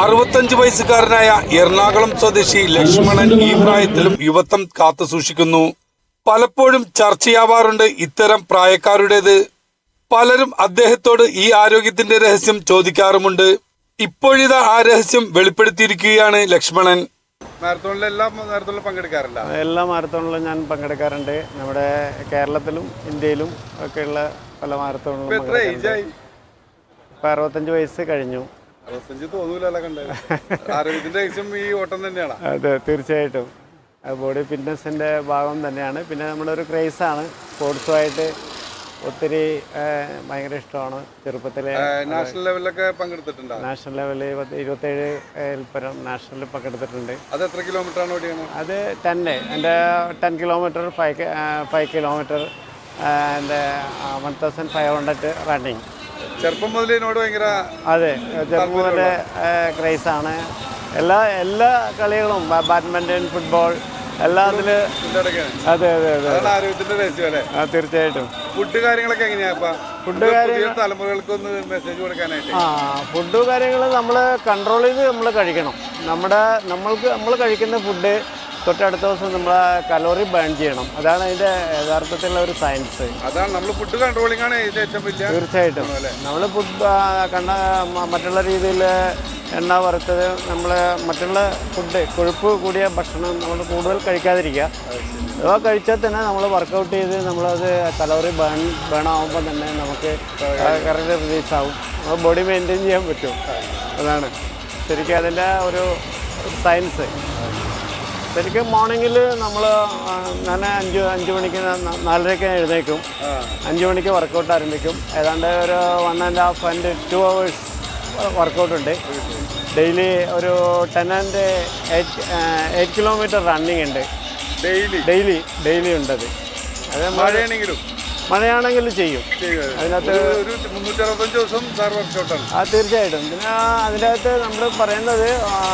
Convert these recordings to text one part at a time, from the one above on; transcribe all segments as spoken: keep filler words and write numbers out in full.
അറുപത്തഞ്ച് വയസ്സുകാരനായ എറണാകുളം സ്വദേശി ലക്ഷ്മണൻ ഈ പ്രായത്തിലും യുവത്വം കാത്തു സൂക്ഷിക്കുന്നു. പലപ്പോഴും ചർച്ചയാവാറുണ്ട് ഇത്തരം പ്രായക്കാരുടേത്. പലരും അദ്ദേഹത്തോട് ഈ ആരോഗ്യത്തിന്റെ രഹസ്യം ചോദിക്കാറുമുണ്ട്. ഇപ്പോഴിതാ ആ രഹസ്യം വെളിപ്പെടുത്തിയിരിക്കുകയാണ് ലക്ഷ്മണൻ. മാരത്തോണിൽ എല്ലാ മാരത്തോണിലും പങ്കെടുക്കാറില്ല. എല്ലാ മാരത്തോണിലും ഞാൻ പങ്കെടുക്കാറുണ്ട്. നമ്മുടെ കേരളത്തിലും ഇന്ത്യയിലും ഒക്കെയുള്ള പല മാരത്തോണിലും ഇപ്പൊ അറുപത്തഞ്ച് വയസ്സ് കഴിഞ്ഞു. അറുപത്തഞ്ച് തോന്നൂലല്ലോ കണ്ടത്. ആരോഗ്യത്തിന്റെ രഹസ്യം ഈ ഓട്ടം തന്നെയാണ്. അതെ, തീർച്ചയായിട്ടും ബോഡി ഫിറ്റ്നസിന്റെ ഭാഗം തന്നെയാണ്. പിന്നെ നമ്മുടെ ഒരു ക്രേസാണ്. സ്പോർട്സുമായിട്ട് ഒത്തിരി ഭയങ്കര ഇഷ്ടമാണ്. ചെറുപ്പത്തിലെ നാഷണൽ ലെവലിലൊക്കെ പങ്കെടുത്തിട്ടുണ്ട്. നാഷണൽ ലെവലിൽ ഇരുപത്തേഴ് പരം നാഷണലിൽ പങ്കെടുത്തിട്ടുണ്ട്. അത് എത്ര കിലോമീറ്റർ ആണ് ഓടിയാണ്? അത് ടെന്ന് എൻ്റെ ten kilometre five five kilometre and one thousand five hundred running. ചെറുപ്പം മുതൽ ഇതിനോട് ഭയങ്കര അതെ ചെറുപ്പം മുതലേ ക്രേസാണ്. എല്ലാ എല്ലാ കളികളും ബാഡ്മിൻ്റൺ, ഫുട്ബോൾ എല്ലാം അതിൽ. അതെ അതെ അതെ ആരോഗ്യത്തിന്റെ രഹസ്യം അല്ലേ? ആ, തീർച്ചയായിട്ടും. ഫുഡ് കാര്യങ്ങളൊക്കെ എങ്ങനെയാ? ഫുഡ് കാര്യങ്ങൾ തലമുറകൾക്കൊന്ന് മെസ്സേജ് കൊടുക്കാനായിട്ട്. ആ ഫുഡ് കാര്യങ്ങൾ നമ്മൾ കൺട്രോൾ ചെയ്ത് നമ്മൾ കഴിക്കണം. നമ്മുടെ നമ്മൾക്ക് നമ്മൾ കഴിക്കുന്ന ഫുഡ് തൊട്ടടുത്ത ദിവസം നമ്മൾ കലോറി ബേൺ ചെയ്യണം. അതാണ് അതിൻ്റെ യഥാർത്ഥത്തിലുള്ള ഒരു സയൻസ്. അതാണ് നമ്മൾ ഫുഡ് കൺട്രോളിംഗ് ആണ് ഇതിന്റെ ഏറ്റവും വലിയ. തീർച്ചയായിട്ടും നമ്മൾ ഫുഡ് കണ്ട മറ്റുള്ള രീതിയിൽ എണ്ണ വറുത്തത്, നമ്മൾ മറ്റുള്ള ഫുഡ് കൊഴുപ്പ് കൂടിയ ഭക്ഷണം നമ്മൾ കൂടുതൽ കഴിക്കാതിരിക്കുക. അഥവാ കഴിച്ചാൽ തന്നെ നമ്മൾ വർക്കൗട്ട് ചെയ്ത് നമ്മളത് കലോറി ബേൺ ബേൺ ആകുമ്പോൾ തന്നെ നമുക്ക് കറക്റ്റ് റിലീസ് ആവും. നമ്മൾ ബോഡി മെയിൻറ്റെയിൻ ചെയ്യാൻ പറ്റും. അതാണ് ശരിക്കും അതിൻ്റെ ഒരു സയൻസ്. ശരിക്കും മോർണിംഗിൽ നമ്മൾ ഞാൻ അഞ്ച് അഞ്ച് മണിക്ക് നാലരയ്ക്ക് എഴുന്നേക്കും. അഞ്ച് മണിക്ക് വർക്കൗട്ട് ആരംഭിക്കും. ഏതാണ്ട് ഒരു one and half and two hours workout ഉണ്ട്. ഡെയിലി ഒരു ten and eight eight kilometre running ഉണ്ട്. ഡെയിലി ഡെയിലി ഡെയിലി ഉണ്ടത്. അത് മഴയാണെങ്കിലും മഴയാണെങ്കിൽ ചെയ്യും. അതിനകത്ത് മുന്നൂറ്റി അറുപത്തഞ്ച് ദിവസം സാർ വർക്കൗട്ടാണ്. ആ, തീർച്ചയായിട്ടും. പിന്നെ അതിനകത്ത് നമ്മൾ പറയുന്നത്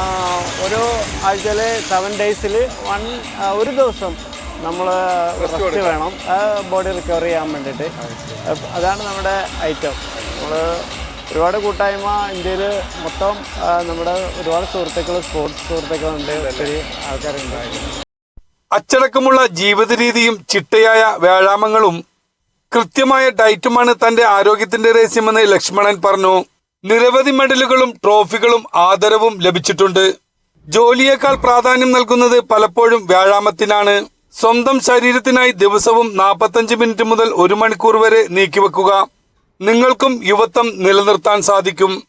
ഒരു ആഴ്ചയിൽ സെവൻ ഡേയ്സിൽ വൺ ഒരു ദിവസം നമ്മൾ റെസ്റ്റ് വേണം, ബോഡി റിക്കവർ ചെയ്യാൻ വേണ്ടിയിട്ട്. അതാണ് നമ്മുടെ ഐറ്റം. നമ്മൾ ഒരുപാട് കൂട്ടായ്മ ഇന്ത്യയിൽ മൊത്തം നമ്മുടെ ഒരുപാട് സുഹൃത്തുക്കൾ, സ്പോർട്സ് സുഹൃത്തുക്കളുണ്ട്, ഒത്തിരി ആൾക്കാരുണ്ട്. അച്ചടക്കമുള്ള ജീവിത രീതിയും ചിട്ടയായ വ്യായാമങ്ങളും കൃത്യമായ ഡയറ്റുമാണ് തന്റെ ആരോഗ്യത്തിന്റെ രഹസ്യമെന്ന് ലക്ഷ്മണൻ പറഞ്ഞു. നിരവധി മെഡലുകളും ട്രോഫികളും ആദരവും ലഭിച്ചിട്ടുണ്ട്. ജോലിയേക്കാൾ പ്രാധാന്യം നൽകുന്നത് പലപ്പോഴും വ്യായാമത്തിനാണ്. സ്വന്തം ശരീരത്തിനായി ദിവസവും നാൽപ്പത്തഞ്ച് മിനിറ്റ് മുതൽ ഒരു മണിക്കൂർ വരെ നീക്കിവെക്കുക. നിങ്ങൾക്കും യുവത്വം നിലനിർത്താൻ സാധിക്കും.